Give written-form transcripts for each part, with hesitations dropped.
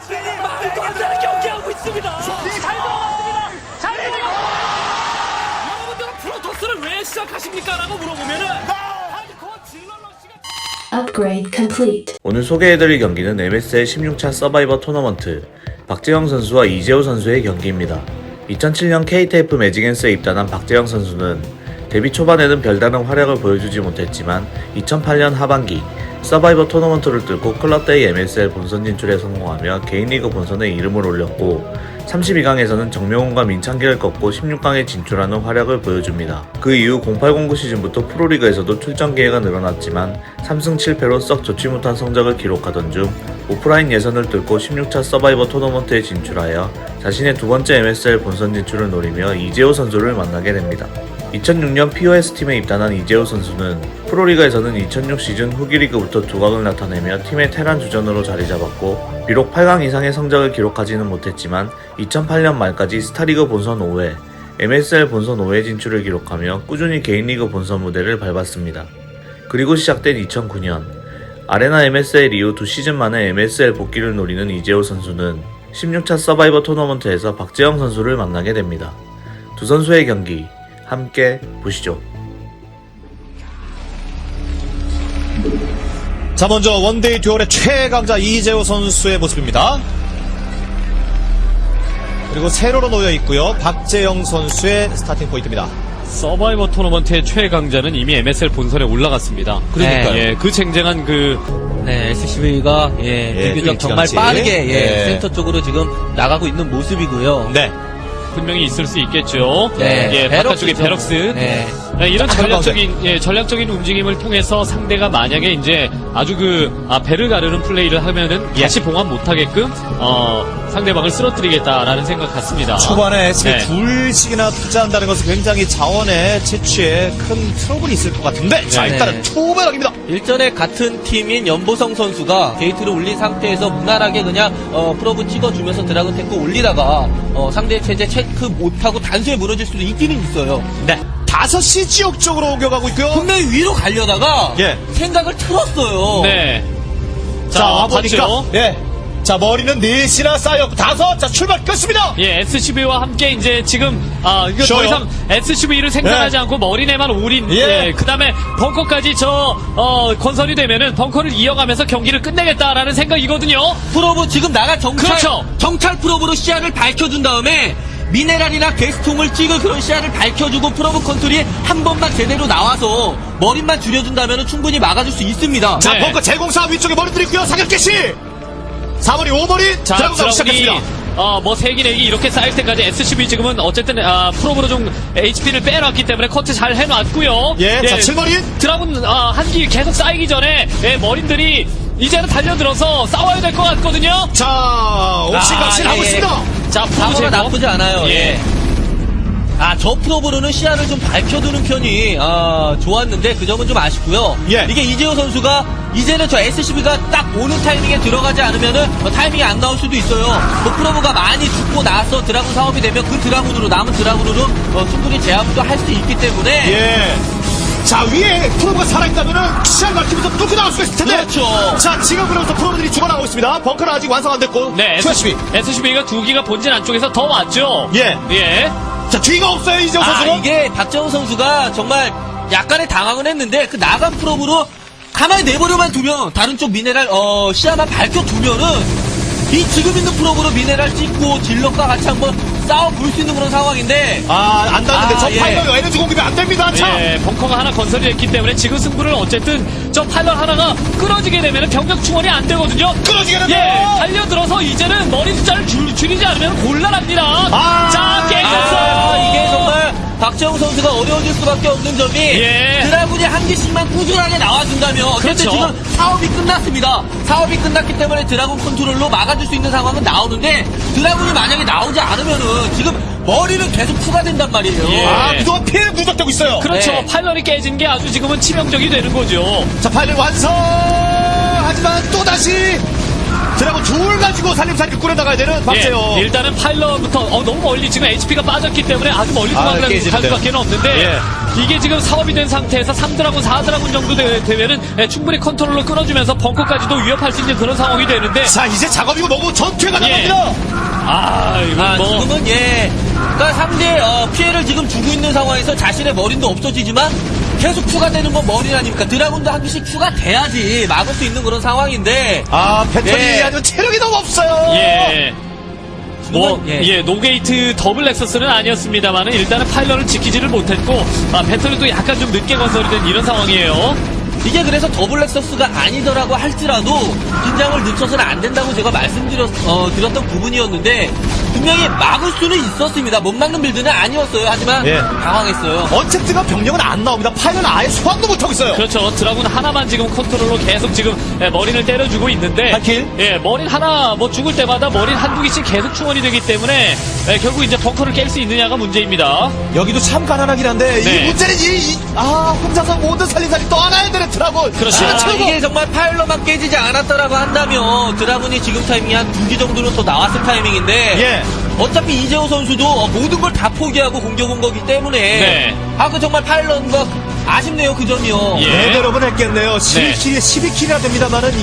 말도 안 되는 경기하고 있습니다. 잘 들어갔습니다. 잘 들어갔습니다. 여러분들은 프로토스를 왜 시작하십니까? 라고 물어보면은 하드코어 질러 러시가 Upgrade complete. 오늘 소개해드릴 경기는 MSL 16차 서바이버 토너먼트 박재영 선수와 이재호 선수의 경기입니다. 2007년 KTF 매직앤스에 입단한 박재영 선수는 데뷔 초반에는 별다른 활약을 보여주지 못했지만 2008년 하반기 서바이버 토너먼트를 뚫고 클럽대회 MSL 본선 진출에 성공하며 개인리그 본선에 이름을 올렸고 32강에서는 정명훈과 민창기를 꺾고 16강에 진출하는 활약을 보여줍니다. 그 이후 0809 시즌부터 프로리그에서도 출전 기회가 늘어났지만 3승 7패로 썩 좋지 못한 성적을 기록하던 중 오프라인 예선을 뚫고 16차 서바이버 토너먼트에 진출하여 자신의 두 번째 MSL 본선 진출을 노리며 이재호 선수를 만나게 됩니다. 2006년 POS팀에 입단한 이재호 선수는 프로리그에서는 2006 시즌 후기리그부터 두각을 나타내며 팀의 테란 주전으로 자리잡았고 비록 8강 이상의 성적을 기록하지는 못했지만 2008년 말까지 스타리그 본선 5회, MSL 본선 5회 진출을 기록하며 꾸준히 개인리그 본선 무대를 밟았습니다. 그리고 시작된 2009년 아레나 MSL 이후 2시즌 만에 MSL 복귀를 노리는 이재호 선수는 16차 서바이버 토너먼트에서 박재영 선수를 만나게 됩니다. 두 선수의 경기 함께 보시죠. 자, 먼저 원데이 듀얼의 최강자 이재호 선수의 모습입니다. 그리고 세로로 놓여 있고요. 박재영 선수의 스타팅 포인트입니다. 서바이버 토너먼트의 최강자는 이미 MSL 본선에 올라갔습니다. 그러니까요. 예, 그 쟁쟁한 SCV가 비교적 정말 일찌감치. 빠르게 예. 센터 쪽으로 지금 나가고 있는 모습이고요. 네. 분명히 있을 수 있겠죠. 네, 예, 바깥쪽에 베럭스. 네. 네, 이런 아, 전략적인 움직임을 통해서 상대가 만약에 이제 아주 배를 가르는 플레이를 하면은 다시 봉합 못하게끔, 상대방을 쓰러뜨리겠다라는 생각 같습니다. 초반에 SCV 네. 둘씩이나 투자한다는 것은 굉장히 자원의 채취에 큰 트러블이 있을 것 같은데, 자, 네. 일단은 투배럭입니다. 일전에 같은 팀인 연보성 선수가 게이트를 올린 상태에서 무난하게 그냥 프로브 찍어주면서 드라군 탱크 올리다가 상대 체제 체크 못하고 단수에 무너질 수도 있기는 있어요. 네. 5시 지역 쪽으로 옮겨가고 있고요. 분명히 위로 가려다가 예. 생각을 틀었어요. 네. 자, 와보니까. 봤죠? 예. 자, 머리는 4시나 쌓였고 5. 자, 출발 끝습니다. 예, SCV와 함께 이제 지금, 이거 쉬어요. 더 이상 SCV를 생산하지 네. 않고 머리내만 올인, 예. 그 다음에 벙커까지 건설이 되면은 벙커를 이어가면서 경기를 끝내겠다라는 생각이거든요. 프로브 지금 나가 그렇죠. 정찰 프로브로 시야를 밝혀준 다음에 미네랄이나 게스통을 찍을 그런 시야를 밝혀주고 프로브 컨트롤이 한 번만 제대로 나와서 머리만 줄여준다면 충분히 막아줄 수 있습니다. 자, 네. 벙커 제공사 위쪽에 머리들이 있고요. 사격 개시. 4머리, 5머리. 자, 드라군사 시작했습니다. 세기 내기 이렇게 쌓일 때까지 SCV 지금은 어쨌든, 프로브로 좀 HP를 빼놨기 때문에 커트 잘 해놨고요. 예, 자, 7머리. 드라군, 한기 계속 쌓이기 전에, 머린들이 이제는 달려들어서 싸워야 될 것 같거든요. 자, 옥신각신 하고 있습니다. 자, 프로브 방어가 제거. 나쁘지 않아요. 예. 저 프로브로는 시야를 좀 밝혀두는 편이 좋았는데 그 점은 좀 아쉽고요. 예. 이게 이재호 선수가 이제는 저 SCB가 딱 오는 타이밍에 들어가지 않으면은 타이밍이 안 나올 수도 있어요. 프로브가 많이 죽고 나서 드라군 사업이 되면 그 드라군으로 남은 드라군으로 충분히 제압도 할 수 있기 때문에 예. 자, 위에 프로브가 살아있다면은 시야를 밝히면서 뚫고 나올 수가 있을 텐데. 그렇죠. 자, 지금 그러면서 프로브들이 죽어나오고 있습니다. 벙커는 아직 완성 안 됐고. 네, SCB. SCV가 두 기가 본진 안쪽에서 더 왔죠. 예. 예. 자, 뒤가 없어요, 이재호 선수는. 이게 박정우 선수가 정말 약간의 당황은 했는데 그 나간 프로브로 가만히 내버려만 두면 다른 쪽 미네랄 시야만 밝혀두면은 이 지금 있는 프로브로 미네랄 찍고 질럿과 같이 한번 싸워볼 수 있는 그런 상황인데 안 닿는데 저 예. 파이널 에너지 공급이 안 됩니다. 자. 예, 벙커가 하나 건설이 됐기 때문에 지금 승부를 어쨌든 저 파일럿 하나가 끊어지게 되면 병력 충원이 안 되거든요. 끊어지게 예, 되네요. 달려들어서 이제는 머리 숫자를 줄이지 않으면 곤란합니다. 자, 깨졌어요. 이게 정말 박정우 선수가 어려워질 수밖에 없는 점이 예. 드라군이 한 개씩만 꾸준하게 나와준다면 어쨌든 그렇죠. 지금 사업이 끝났습니다. 사업이 끝났기 때문에 드라군 컨트롤로 막아줄 수 있는 상황은 나오는데 드라군이 만약에 나오지 않으면은 지금 머리는 계속 추가된단 말이에요. 예. 그동안 피해 누적되고 있어요. 그렇죠. 네. 파일럿이 깨진 게 아주 지금은 치명적이 되는 거죠. 자, 파이널 완성! 하지만 또다시 드라곤 둘 가지고 살림살이를 꾸려나가야 되는 박재영. 예, 일단은 파일럿부터 너무 멀리 지금 HP가 빠졌기 때문에 아주 멀리 도망갈 깨지는데요. 수밖에 없는데 예. 이게 지금 사업이 된 상태에서 3드라군, 4드라군 정도 되면은 충분히 컨트롤로 끊어주면서 벙커까지도 위협할 수 있는 그런 상황이 되는데 자, 이제 작업이고 뭐고 전투가 예. 나갑니다. 이거 뭐 지금은 그러니까 상대 피해를 지금 주고 있는 상황에서 자신의 머린도 없어지지만 계속 추가되는 건 머린 아닙니까? 드라군도 한 개씩 추가돼야지 막을 수 있는 그런 상황인데. 패턴이 예. 아주 체력이 너무 없어요. 예. 뭐, 예. 노게이트 더블 렉서스는 아니었습니다만은 일단은 파일럿을 지키지를 못했고, 배터리도 약간 좀 늦게 건설이 된 이런 상황이에요. 이게 그래서 더블 렉서스가 아니더라고 할지라도 긴장을 늦춰서는 안 된다고 제가 드렸던 부분이었는데 분명히 막을 수는 있었습니다. 못 막는 빌드는 아니었어요. 하지만 예. 당황했어요. 언체트가 병력은 안 나옵니다. 파일은 아예 소환도 못하고 있어요. 그렇죠. 드라군 하나만 지금 컨트롤로 계속 지금 머린을 때려주고 있는데. 한 킬? 예, 머린 하나 뭐 죽을 때마다 머린 한두 개씩 계속 충원이 되기 때문에 결국 이제 벙커를 깰 수 있느냐가 문제입니다. 여기도 참 가난하긴 한데 네. 이 문제는 혼자서 모든 살림살이 떠안아야 되는 드라곤. 그렇죠. 이게 정말 파일럿만 깨지지 않았다라고 한다면 드라군이 지금 타이밍이 한 2기 정도는 더 나왔을 타이밍인데 예. 어차피 이재호 선수도 모든 걸 다 포기하고 공격 온 거기 때문에 네. 그 정말 파일럿과 아쉽네요. 그 점이요. 예. 대대로는 했겠네요. 11킬에 12킬이나 됩니다만은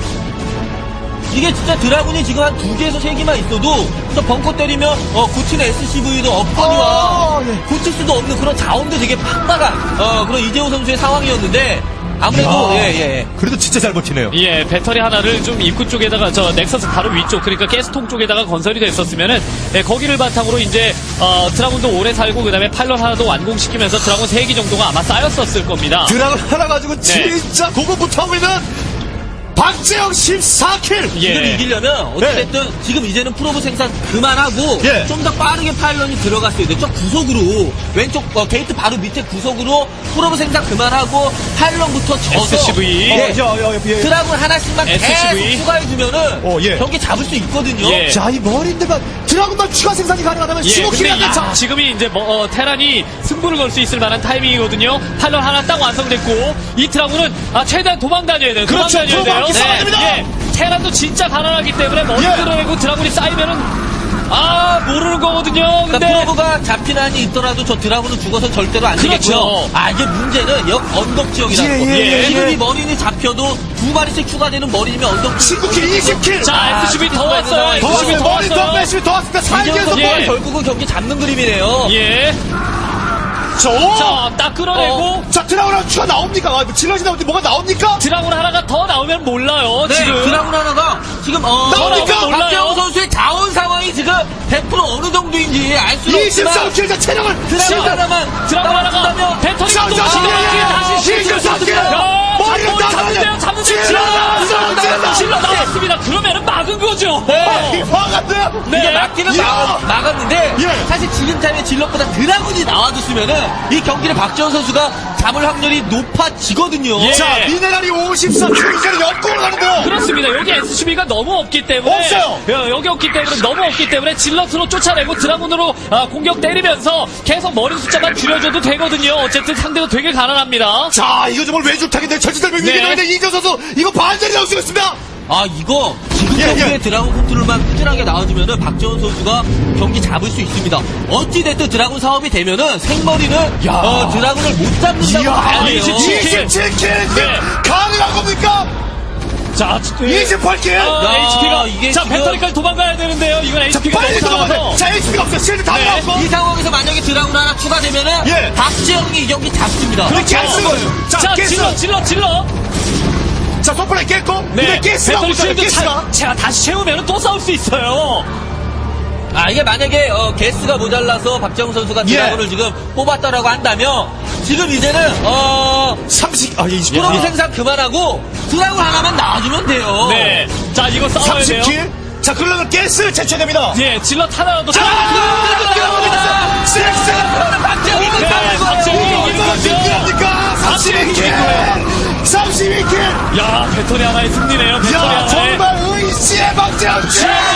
이게 진짜 드라군이 지금 한 2개에서 3개만 있어도 저 벙커 때리면 고친 SCV도 없거니와 예. 고칠 수도 없는 그런 자원도 되게 팍팍한 그런 이재호 선수의 상황이었는데 아무래도 그래도 진짜 잘 버티네요. 예, 배터리 하나를 좀 입구 쪽에다가 넥서스 바로 위쪽 그러니까 가스통 쪽에다가 건설이 됐었으면은 거기를 바탕으로 이제 드라군도 오래 살고 그다음에 파일럿 하나도 완공시키면서 드라군 3기 정도가 아마 쌓였었을 겁니다. 드라곤 하나 가지고 진짜 고군부터 하고 있는 박재영 14킬. 예. 지금 이기려면 어쨌든 지금 이제는 프로브 생산 그만하고 예. 좀 더 빠르게 파일럿이 들어갔어야 돼. 저 구석으로 왼쪽 게이트 바로 밑에 구석으로 프로브 생산 그만하고 파일럿부터 져서 SCV. 예. 예. 드라군 하나씩만 SCV. 계속 추가해주면은 예. 경기 잡을 수 있거든요. 예. 자, 이 머리인데만 드라곤만 추가 생산이 가능하다면 예, 15킬이 근데 안 차. 지금이 이제 테란이 승부를 걸 수 있을 만한 타이밍이거든요. 파일럿 하나 딱 완성됐고 이 드라군은 최대한 도망 다녀야 돼요. 도망 그렇죠. 다녀야 돼요. 도망 싸워야 됩니다. 예, 테란도 진짜 가난하기 때문에 머리 예. 끌어내고 드라군이 쌓이면은 모르는 거거든요. 근데 그러니까 프로브가 잡힌 한이 있더라도 저 드라군은 죽어서 절대로 안 그렇죠. 되겠고요. 이게 문제는 언덕 지역이라는 거. 예. 지금 이 머린이 잡혀도 2마리씩 추가되는 머린이면 언덕 19킬, 20킬. 자, SCV 더 왔어요. 더 SCV 왔어요. 더 머리 더 왔어요. 빼시면 더 왔습니다. 이재호 4개에서 선수가 예. 결국은 경기 잡는 그림이네요. 예. 자, 딱 끌어내고 자, 드라곤 하나 추가 나옵니까? 질럿이 나오는데 뭐가 나옵니까? 드라군 하나가 더 나오면 몰라요. 네, 지금 드라군 하나가 지금 나옵니까? 몰라요. 박재홍 선수의 자원 상황이 지금 100% 어느 정도인지 알 수는 없지만 24킬 자 체력을 드라군 하나만 드라군 하나가 나왔다면 배터리가 또 자, 다시 실격 실격 야, 머리를 잡는데요. 잡는데요. 질러 나왔습니다. 그러면은 막은 거죠. 화간데 이게 막기는 막았는데 예. 사실 지금 타임에 질럿보다 드라군이 나와줬으면은 이 경기를 박재홍 선수가 잡을 확률이 높아지거든요. 예. 자, 미네랄이 54킬 역공을 가는데요. 그렇습니다. 여기 SCB가 너무 없기 때문에 없어요. 여기 없기 때문에 너무 없기 때문에 질럿으로 쫓아내고 드라군으로 공격 때리면서 계속 머리 숫자만 줄여줘도 되거든요. 어쨌든 상대도 되게 가난합니다. 자, 이거 정말 외줄타기인데 전지들면 네. 위기인데 이재 선수 이거 반전이 나올 수가 있습니다. 이거 지금 예, 경기에 예. 드라군 컨트롤만 꾸준하게 나와주면은 박재원 선수가 경기 잡을 수 있습니다. 어찌됐든 드라군 사업이 되면은 생머리는 드라군을 못 잡는다고 봐야 돼요. 27킬 네. 가능한 겁니까? 자, 28킬. HP가 이게 자 지금- 배터리까지 도망가야 되는데요. 이건 자, HP가 빨리 너무 들어가야 많아서 돼. 자, HP가 없어요. 실드 다 네. 나왔고. 이 상황에서 만약에 드라군 하나 추가되면은 예. 박재영이 이 경기 잡습니다. 그렇게 안 쓰거든요. 자, 질러. 자, 손바닥 깼고. 네, 근데 가스가 배터리 없잖아요. 실드 가스가. 제가 다시 채우면 또 싸울 수 있어요. 이게 만약에 게스가 모자라서 박재영 선수가 예. 드라군을 지금 뽑았다라고 한다면 지금 이제는 20. 프로브 생산 그만하고 드라군 하나만 나와주면 돼요. 네, 자 이거 싸워야 돼요. 30킬. 자, 그러면 가스 제쳐됩니다. 예, 질러 하나라도 자, 들어갑니다. 섹스. 박재영이 네, 박재영이 이기는 거죠. 32킬. 32킬. 야, 배터리 하나의 승리네요. 배터리 야, 하나의. 정말 의지의 박재영.